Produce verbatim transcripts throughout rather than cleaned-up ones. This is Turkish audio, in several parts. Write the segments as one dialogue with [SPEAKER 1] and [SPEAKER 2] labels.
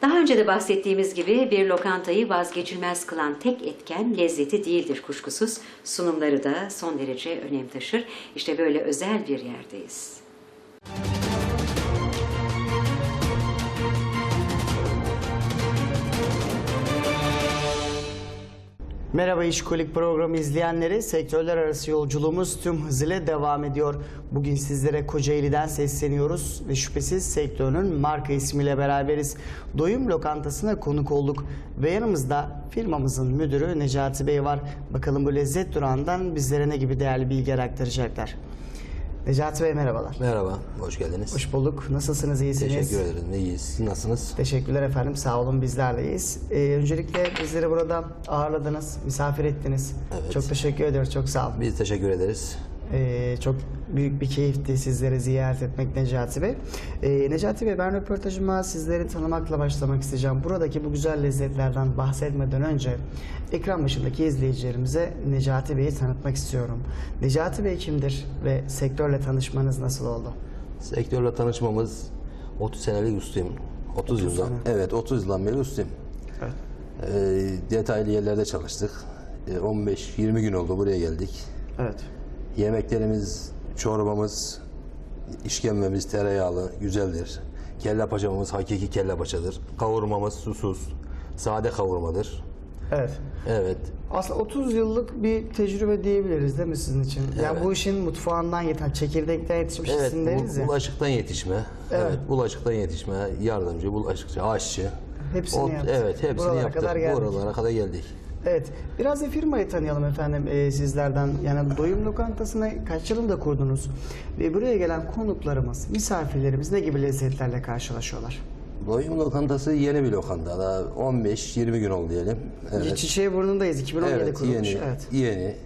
[SPEAKER 1] Daha önce de bahsettiğimiz gibi bir lokantayı vazgeçilmez kılan tek etken lezzeti değildir kuşkusuz. Sunumları da son derece önem taşır. İşte böyle özel bir yerdeyiz.
[SPEAKER 2] Merhaba İşkolik programı izleyenleri, sektörler arası yolculuğumuz tüm hızıyla devam ediyor. Bugün sizlere Kocaeli'den sesleniyoruz ve şüphesiz sektörün marka ismiyle beraberiz. Doyum Lokantası'na konuk olduk ve yanımızda firmamızın müdürü Necati Bey var. Bakalım bu lezzet durağından bizlere ne gibi değerli bilgiler aktaracaklar. Necati Bey merhabalar.
[SPEAKER 3] Merhaba, hoş geldiniz.
[SPEAKER 2] Hoş bulduk. Nasılsınız, iyisiniz?
[SPEAKER 3] Teşekkür ederim, iyiyiz. Siz nasılsınız?
[SPEAKER 2] Teşekkürler efendim, sağ olun, bizler de iyiyiz. Ee, öncelikle bizleri burada ağırladınız, misafir ettiniz.
[SPEAKER 3] Evet.
[SPEAKER 2] Çok teşekkür ediyoruz, çok sağ olun.
[SPEAKER 3] Biz teşekkür ederiz.
[SPEAKER 2] Ee, çok büyük bir keyifti sizleri ziyaret etmek Necati Bey. Ee, Necati Bey, ben röportajıma sizleri tanımakla başlamak isteyeceğim. Buradaki bu güzel lezzetlerden bahsetmeden önce ekran başındaki izleyicilerimize Necati Bey'i tanıtmak istiyorum. Necati Bey kimdir ve sektörle tanışmanız nasıl oldu?
[SPEAKER 3] Sektörle tanışmamız otuz senelik ustayım. otuz yıldan.
[SPEAKER 2] sene.
[SPEAKER 3] Evet, otuz yıldan beri ustayım.
[SPEAKER 2] Evet.
[SPEAKER 3] Ee, detaylı yerlerde çalıştık. Ee, on beş yirmi gün oldu, buraya geldik.
[SPEAKER 2] Evet.
[SPEAKER 3] Yemeklerimiz, çorbamız, işkembemiz tereyağlı, güzeldir. Kelle paçamız hakiki kelle paçadır. Kavurmamız susuz, sade kavurmadır.
[SPEAKER 2] Evet.
[SPEAKER 3] Evet.
[SPEAKER 2] Aslında otuz yıllık bir tecrübe diyebiliriz değil mi sizin için? Yani
[SPEAKER 3] Evet.
[SPEAKER 2] bu işin mutfağından yeten, çekirdekten yetişmişsin
[SPEAKER 3] Evet,
[SPEAKER 2] deriz
[SPEAKER 3] bu,
[SPEAKER 2] ya.
[SPEAKER 3] bulaşıktan yetişme.
[SPEAKER 2] Evet.
[SPEAKER 3] Evet. bulaşıktan yetişme, yardımcı, bulaşıkçı, aşçı.
[SPEAKER 2] Hepsini
[SPEAKER 3] O-
[SPEAKER 2] yaptık.
[SPEAKER 3] Evet, hepsini
[SPEAKER 2] Buralara
[SPEAKER 3] yaptık.
[SPEAKER 2] kadar geldik.
[SPEAKER 3] Buralara kadar geldik.
[SPEAKER 2] Evet. Biraz da firmayı tanıyalım efendim e, sizlerden. Yani Doyum Lokantası'nı kaç yılında kurdunuz? Ve buraya gelen konuklarımız, misafirlerimiz ne gibi lezzetlerle karşılaşıyorlar?
[SPEAKER 3] Doyum lokantası yeni bir lokanta. Daha on beş yirmi gün oldu diyelim. Evet.
[SPEAKER 2] Çiçeği burnundayız. iki bin on yedi
[SPEAKER 3] Evet,
[SPEAKER 2] kurulmuş.
[SPEAKER 3] yeni,
[SPEAKER 2] Evet.
[SPEAKER 3] yeni.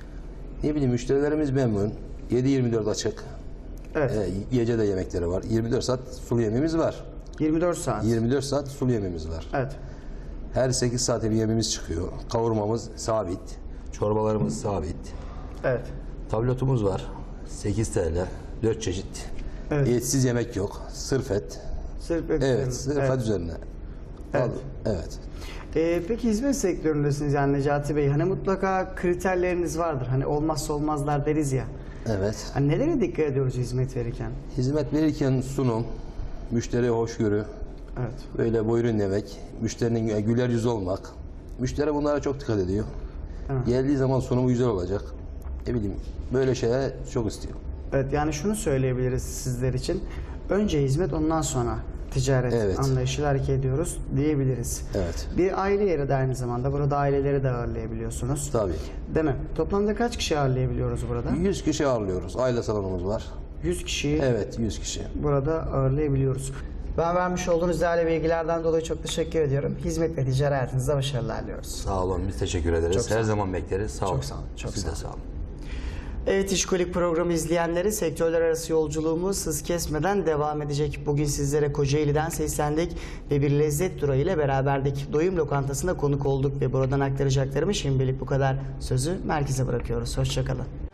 [SPEAKER 3] Ne bileyim, müşterilerimiz memnun. yedi yirmi dört açık.
[SPEAKER 2] Evet.
[SPEAKER 3] Ee, gece de yemekleri var. yirmi dört saat sulu yemeğimiz var.
[SPEAKER 2] yirmi dört saat.
[SPEAKER 3] yirmi dört saat sulu yemeğimiz var.
[SPEAKER 2] Evet.
[SPEAKER 3] Her sekiz saate bir yemeğimiz çıkıyor. Kavurmamız sabit. Çorbalarımız sabit.
[SPEAKER 2] Evet.
[SPEAKER 3] Tablotumuz var. sekiz TL. dört çeşit.
[SPEAKER 2] Evet.
[SPEAKER 3] Etsiz yemek yok. Sırf et.
[SPEAKER 2] Sırf et
[SPEAKER 3] Evet,
[SPEAKER 2] üzerine.
[SPEAKER 3] sırf
[SPEAKER 2] Evet.
[SPEAKER 3] et üzerine.
[SPEAKER 2] Evet.
[SPEAKER 3] Evet.
[SPEAKER 2] Ee, peki hizmet sektöründesiniz yani Necati Bey. Hani mutlaka kriterleriniz vardır. Hani olmazsa olmazlar deriz ya.
[SPEAKER 3] Evet.
[SPEAKER 2] Hani nelere dikkat ediyoruz hizmet verirken?
[SPEAKER 3] Hizmet verirken sunum, müşteriye hoşgörü,
[SPEAKER 2] Evet.
[SPEAKER 3] böyle buyurun demek, müşterinin güler yüzü olmak. Müşteri bunlara çok dikkat ediyor.
[SPEAKER 2] Evet.
[SPEAKER 3] Geldiği zaman sunumu güzel olacak. Ne bileyim, böyle şeyler çok istiyor.
[SPEAKER 2] Evet, yani şunu söyleyebiliriz sizler için. Önce hizmet, ondan sonra ticaret
[SPEAKER 3] Evet.
[SPEAKER 2] anlayışıyla hareket ediyoruz diyebiliriz.
[SPEAKER 3] Evet.
[SPEAKER 2] Bir aile yeri de aynı zamanda. Burada aileleri de ağırlayabiliyorsunuz.
[SPEAKER 3] Tabii.
[SPEAKER 2] Değil mi? Toplamda kaç kişi ağırlayabiliyoruz burada?
[SPEAKER 3] yüz kişi ağırlıyoruz. Aile salonumuz var.
[SPEAKER 2] yüz kişiyi
[SPEAKER 3] Evet, yüz kişi.
[SPEAKER 2] burada ağırlayabiliyoruz. Ben vermiş olduğunuz değerli bilgilerden dolayı çok teşekkür ediyorum. Hizmet ve ticari hayatınızda başarılar diliyoruz.
[SPEAKER 3] Sağ olun, biz teşekkür ederiz.
[SPEAKER 2] Çok sağ
[SPEAKER 3] Her
[SPEAKER 2] olun.
[SPEAKER 3] zaman bekleriz. Sağ olun.
[SPEAKER 2] sağ olun, çok
[SPEAKER 3] Siz
[SPEAKER 2] sağ
[SPEAKER 3] de
[SPEAKER 2] olun.
[SPEAKER 3] sağ olun.
[SPEAKER 2] Evet, İşkolik programı izleyenleri, sektörler arası yolculuğumuz hız kesmeden devam edecek. Bugün sizlere Kocaeli'den seslendik ve bir lezzet durağı ile beraberdik. Doyum Lokantası'na konuk olduk ve buradan aktaracaklarımı şimdilik bu kadar. Sözü merkeze bırakıyoruz. Hoşça kalın.